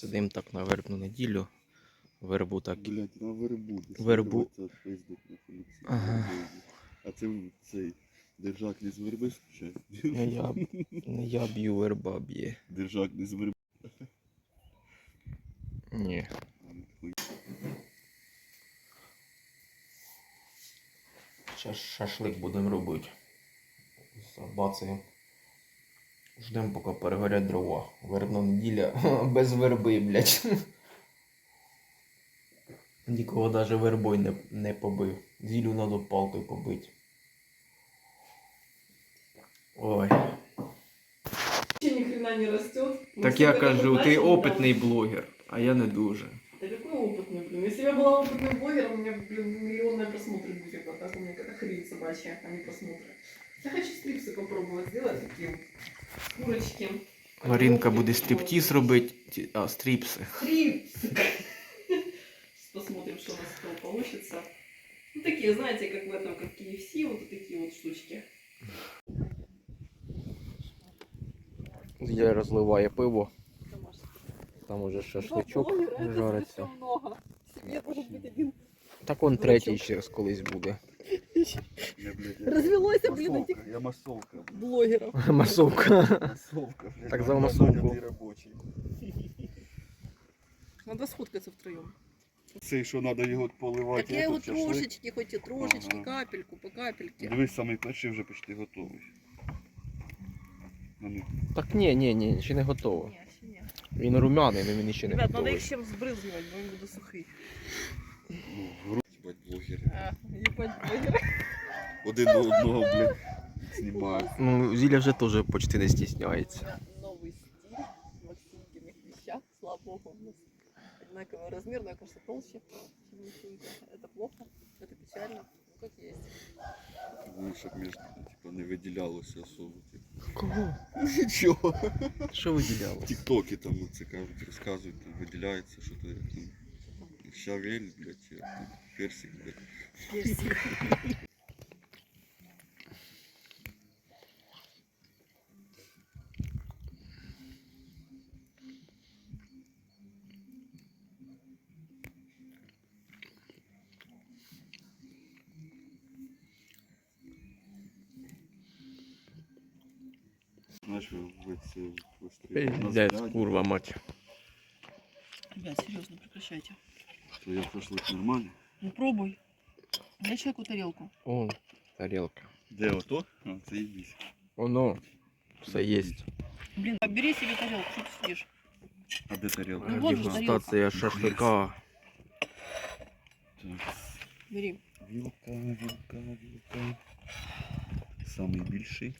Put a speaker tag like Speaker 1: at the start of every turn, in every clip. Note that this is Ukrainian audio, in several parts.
Speaker 1: Сидим так на вербну неділю. Вербу так.
Speaker 2: Блять, на вербу.
Speaker 1: Вербу.
Speaker 2: Це пиздик на Феліксі.
Speaker 1: Ага.
Speaker 2: А це цей держак не з верби скучає?
Speaker 1: Не я б'ю, верба б'є.
Speaker 2: Держак не з верби.
Speaker 1: Ні. Зараз шашлик будемо робити. Забацаємо. Ждемо, поки перегорять дрова. Вербна неділя без верби, блядь. Нікого навіть вербою не побив. Зілю надо палкою побити. Ой.
Speaker 3: Ни хрена не растет.
Speaker 1: Так я кажу, ти опитний блогер, а я не дуже.
Speaker 3: Да какой опытный, блин? Если бы я была опытным блогером, у меня, блин, миллионные просмотры будет. А так у меня какая-то хрень собачья, а не просмотры. Я хочу стрипсы попробовать сделать такие. Курочки.
Speaker 1: Маринка буде стриптиз робити, а стріпси.
Speaker 3: Стрипсы. Сейчас посмотрим, что у нас с этого получится. Ну такие, знаете, как в этом, как KFC, вот такие вот штучки.
Speaker 1: Я розливаю пиво. Там уже шашличок жариться.
Speaker 3: Много. Себе может быть один.
Speaker 1: Так он третій ще колись буде.
Speaker 3: Развелось, блин, этих
Speaker 2: Я масовка.
Speaker 3: блогеров.
Speaker 1: Масовка.
Speaker 2: Масовка.
Speaker 1: Так за масовку.
Speaker 3: Надо сфоткаться втроем.
Speaker 2: Це що треба його поливати.
Speaker 3: Так я его
Speaker 2: этот шашлик.
Speaker 3: трошечки, хоть и трошечки,
Speaker 2: Ага.
Speaker 3: капельку, по капельке.
Speaker 2: Дивись, самий перший вже почти готовий.
Speaker 1: Так ні, ще не готово.
Speaker 3: Не, ще ні.
Speaker 1: Він румяний, але він ще не
Speaker 3: Ребят, надо
Speaker 1: готовий.
Speaker 3: их чем сбрызгивать, бо він буде сухий.
Speaker 2: Ну, в грудь, бать, блогери.
Speaker 3: Ебать, блогер.
Speaker 2: Один до одного, блядь, знімають.
Speaker 1: Ну, Зіля вже теж почти не стісняється.
Speaker 3: Новый стиль в Максимкиных вещах. Слава богу, у нас одинаковый размер, но я, кажется, толще, чем Максимка. Это плохо, это печально, ну как есть.
Speaker 2: Ну, щоб між, типа, не виділялося особо. Типу.
Speaker 1: Кого?
Speaker 2: Нічого.
Speaker 1: Що виділяло?
Speaker 2: Тіктоки там це кажуть, розказують, там виділяється, що то як там. Щавель, блядь, як там, персик, блядь. Знаєш, ви це
Speaker 1: Блядь, курва мать.
Speaker 3: Ребят, серьезно, прекращайте.
Speaker 2: Твоя шашлик нормальний?
Speaker 3: Ну пробуй. Дай человеку тарелку.
Speaker 1: О, тарелка.
Speaker 2: Де ото? А, це їбісь.
Speaker 1: Оно, все є.
Speaker 3: Блин, бери себе тарелку, что ты сидишь?
Speaker 2: А де тарілка?
Speaker 3: Ну, вот же
Speaker 1: Дегустація шашлика.
Speaker 2: Так.
Speaker 3: Бери.
Speaker 2: Вілка. Самий більший.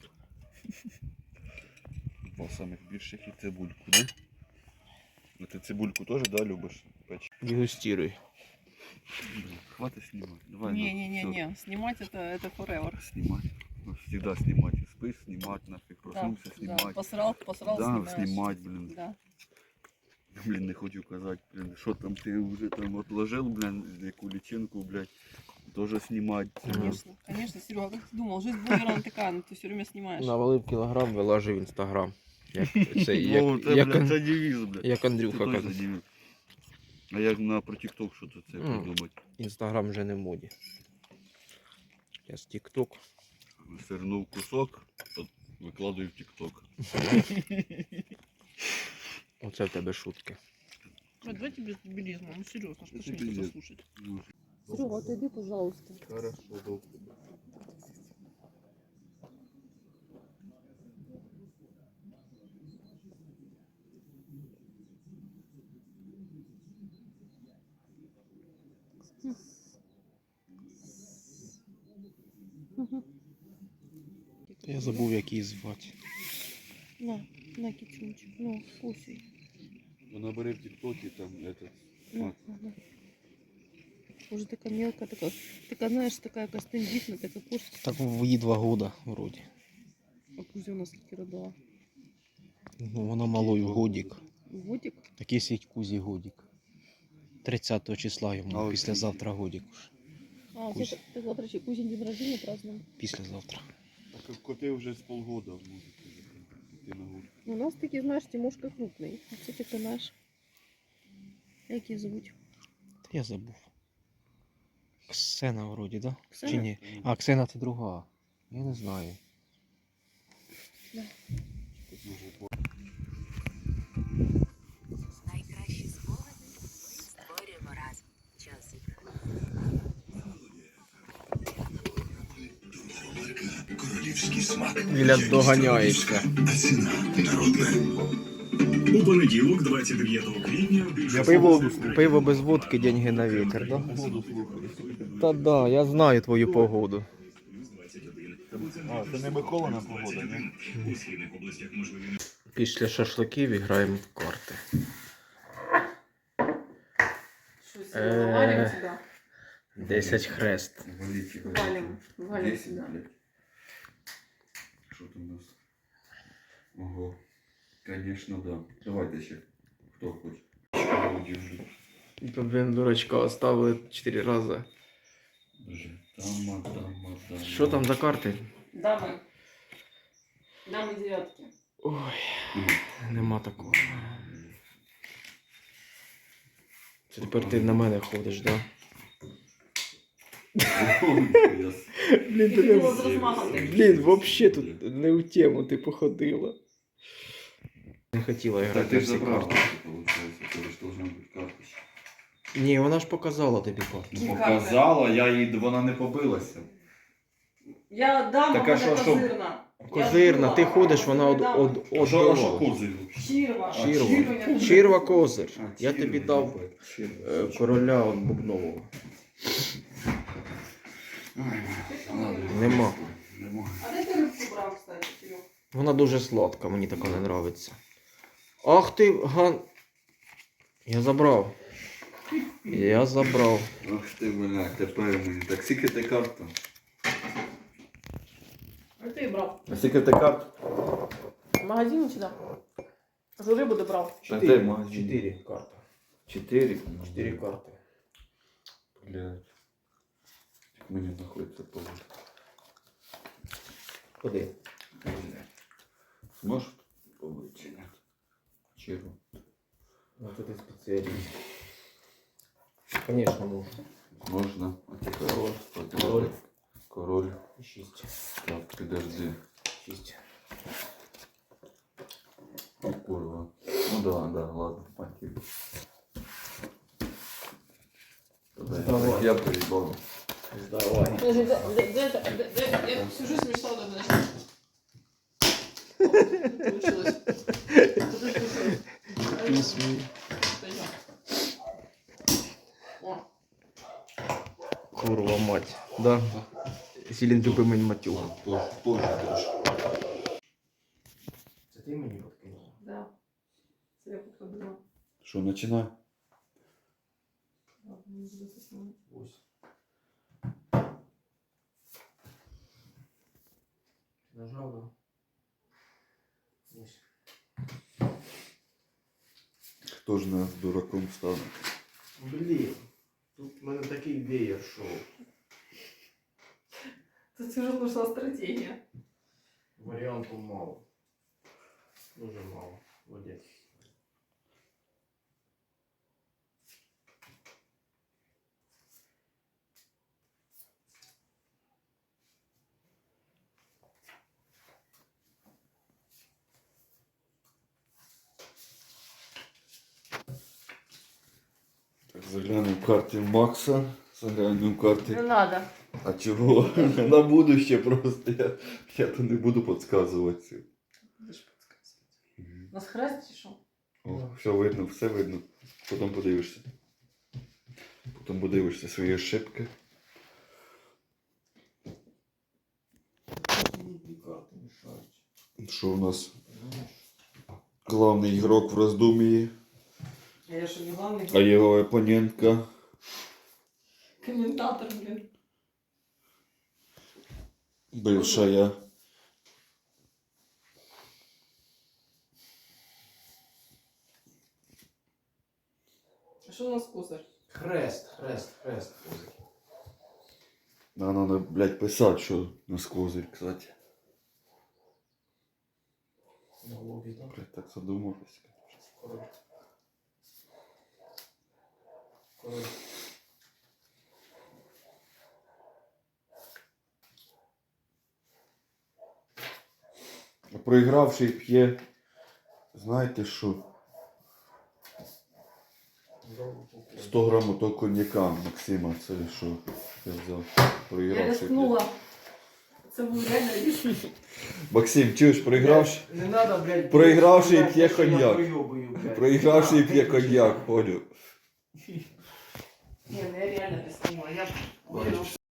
Speaker 2: Два самих більших і цибульку, да? А ти цибульку теж, да, любиш? Печь?
Speaker 1: Дегустируй.
Speaker 2: Блин, хватит снимать. Давай.
Speaker 3: Не-не-не, снимать это forever.
Speaker 2: Снимать. Ну, всегда снимать. И спишь, снимать нафиг. Проснулся,
Speaker 3: Да,
Speaker 2: снимать.
Speaker 3: посрал,
Speaker 2: Да,
Speaker 3: снимаешь.
Speaker 2: снимать, блин.
Speaker 3: Да.
Speaker 2: Блин, не хочу казать, блин, что там ты уже там отложил, блин, яку личинку, блядь, тоже снимать.
Speaker 3: Конечно, конечно, Серега, как ты думал, жизнь блогера она такая, ну ты все время снимаешь.
Speaker 1: Навалив кілограм, вилажив в інстаграм. Це
Speaker 2: Ну, це, блядь, це девіз, блядь.
Speaker 1: як Андрюха
Speaker 2: Це точно
Speaker 1: казав.
Speaker 2: девіз. А як на про TikTok що-то це придумати?
Speaker 1: Інстаграм вже не в моді. Я з TikTok.
Speaker 2: Свернув кусок, от викладаю в TikTok.
Speaker 1: Оце в тебе шутки.
Speaker 3: Давайте без дебилизма, ну серьезно, что ж
Speaker 2: Это
Speaker 3: не
Speaker 2: пиздец.
Speaker 3: послушать.
Speaker 2: Ну,
Speaker 3: Серега, отойди, пожалуйста.
Speaker 2: Хорошо, добре.
Speaker 1: Я забув, як її звати.
Speaker 3: На китюнчик, вкусий.
Speaker 2: Вона бере в TikTok там этот.
Speaker 3: На. Уже такая мелкая, такая, знаешь, такая костендитная, такая кошка.
Speaker 1: Так їй 2 года вроді.
Speaker 3: А Кузя у нас скільки родила?
Speaker 1: Ну, вона малою годик.
Speaker 3: Годик?
Speaker 1: Такий свій Кузі годик. 30 числа йому,
Speaker 2: А,
Speaker 1: післязавтра годик.
Speaker 3: А,
Speaker 1: Кузя.
Speaker 3: ты завтра еще Кузин день рождения празднуем.
Speaker 1: Післязавтра.
Speaker 2: Так коти вже з полгода можуть піти на гуль.
Speaker 3: У нас такие, знаешь, Тимошка крупный. А все таки наш.
Speaker 4: Як її звуть?
Speaker 1: Я забув. Ксена вроді, да?
Speaker 4: Ксена?
Speaker 1: Чи ні? А, Ксена це друга. Я не знаю.
Speaker 5: Найкращі спогади ми створюємо разом. Час
Speaker 6: Королівський смак.
Speaker 1: Біля доганяється.
Speaker 6: А ціна народна. У понеділок, 29 квітня, більше
Speaker 1: Пиво без водки, деньги на вітер, да? Та да, я знаю твою погоду.
Speaker 2: А, це не Миколина погода, ні?
Speaker 6: у східних областях можливі.
Speaker 1: Після шашликів граємо в карти.
Speaker 3: Что, сегодня валим сюда?
Speaker 1: 10 хрест.
Speaker 3: Валим сюда.
Speaker 2: Що там у нас? Ого. Конечно, да. Давайте ще. Хто хоче.
Speaker 1: Блін, дурачка, оставили 4 рази.
Speaker 2: Боже. Тама.
Speaker 1: Що там за карти?
Speaker 3: Дамы. Дамы девятки.
Speaker 1: Ой, нема такого. Це тепер ти на мене ходиш, да? Блін,
Speaker 3: Ти хотіла з розмахом такий.
Speaker 1: Блін, взагалі тут не у тему ти походила. Не хотіла
Speaker 2: Та
Speaker 1: грати
Speaker 2: ти
Speaker 1: в
Speaker 2: ж
Speaker 1: всі
Speaker 2: забрав,
Speaker 1: карти.
Speaker 2: виходить. Це ж должна бути карточка.
Speaker 1: Ні, вона ж показала тобі карту.
Speaker 3: Які
Speaker 2: Показала, вона не побилася.
Speaker 3: Я дама,
Speaker 2: Так, а
Speaker 3: вона
Speaker 2: що?
Speaker 3: козирна.
Speaker 1: Козирна, ти ходиш, вона од
Speaker 2: А що
Speaker 1: била.
Speaker 2: козир?
Speaker 3: Чірва.
Speaker 1: Чірва. Чірва козир.
Speaker 2: А,
Speaker 1: Я
Speaker 2: чірва,
Speaker 1: тобі дав короля от Бубнового. Нема.
Speaker 3: А де ти рибку брав, кстати, Кирюх?
Speaker 1: Вона дуже сладка, мені така не подобається. Ах ти, ган... Я забрав. Я забрав.
Speaker 2: Ах ти, бля, тепер мені. Так скільки ти карт там?
Speaker 3: А ти брав?
Speaker 2: А скільки ти карт?
Speaker 3: В магазині чи да? За рибу ти брав?
Speaker 2: А де магазин?
Speaker 1: 4 карти.
Speaker 2: 4?
Speaker 1: 4 карти.
Speaker 2: Блядь. Як мені знаходиться повод.
Speaker 1: Куди?
Speaker 2: Зможеш побити чи ні? Чиру.
Speaker 1: Ну тут і спеціаліст. Звісно, можу.
Speaker 2: Можна. А ти
Speaker 1: Король.
Speaker 2: король. Король.
Speaker 1: 6.
Speaker 2: Так, підожди.
Speaker 1: 6.
Speaker 2: О, курва. Ну да, ладно, спасибо.
Speaker 1: Давай.
Speaker 2: Я поїбав.
Speaker 1: Давай.
Speaker 3: Подожди, я всю жизнь мечтала об этом. Получилось. О,
Speaker 1: Курва мать. Да. Сілін любимий матюга.
Speaker 2: Позже трошки.
Speaker 1: Це ти мені подкинула?
Speaker 3: да. Це я подходила.
Speaker 2: Що, починай?
Speaker 3: Ладно, не буду заснимать.
Speaker 1: Ось. Нажав, да? Ось.
Speaker 2: Хто ж нас дураком стане?
Speaker 1: Блін. Тут в мене такий веєр шоу.
Speaker 3: Тут уже нужна стратегия.
Speaker 1: Варіанту мало. Дуже мало. Молодець.
Speaker 2: Так, заглянемо в карти Макса. Заглянемо в карти.
Speaker 3: Не надо.
Speaker 2: А чого? На будуще просто. Я то не буду підказувати.
Speaker 3: Будешь подсказывать. Нас хрест чи що?
Speaker 2: О, все видно. Потім подивишся. Потім подивишся свої ошибки.
Speaker 1: Дві карти мішають.
Speaker 2: Що у нас? Главний ігрок в роздумії,
Speaker 3: А я що не главний?
Speaker 2: а його опонентка.
Speaker 3: Комментатор, блин.
Speaker 2: Бывшая.
Speaker 3: А що у нас козир?
Speaker 1: Хрест.
Speaker 2: Надо, блядь, писати, що на козир, кстати.
Speaker 1: На лобі, так?
Speaker 2: Блядь, так задумався. Проігравший п'є, знаєте що? 100 грамів того коньяка Максима, це що я взяв.
Speaker 3: Я
Speaker 2: Проігравший п'є.
Speaker 3: рискнула. Це був реально риск.
Speaker 2: Максим, чуєш, проігравший?
Speaker 4: Не надо, блядь.
Speaker 2: Проігравший
Speaker 4: блядь,
Speaker 2: п'є
Speaker 4: що я
Speaker 2: коньяк.
Speaker 4: проёбую, блядь.
Speaker 2: Проігравший
Speaker 4: На,
Speaker 2: п'є
Speaker 4: виключи,
Speaker 2: коньяк,
Speaker 4: нахуй.
Speaker 2: понял.
Speaker 3: Ні, ну я реально рискнула. Я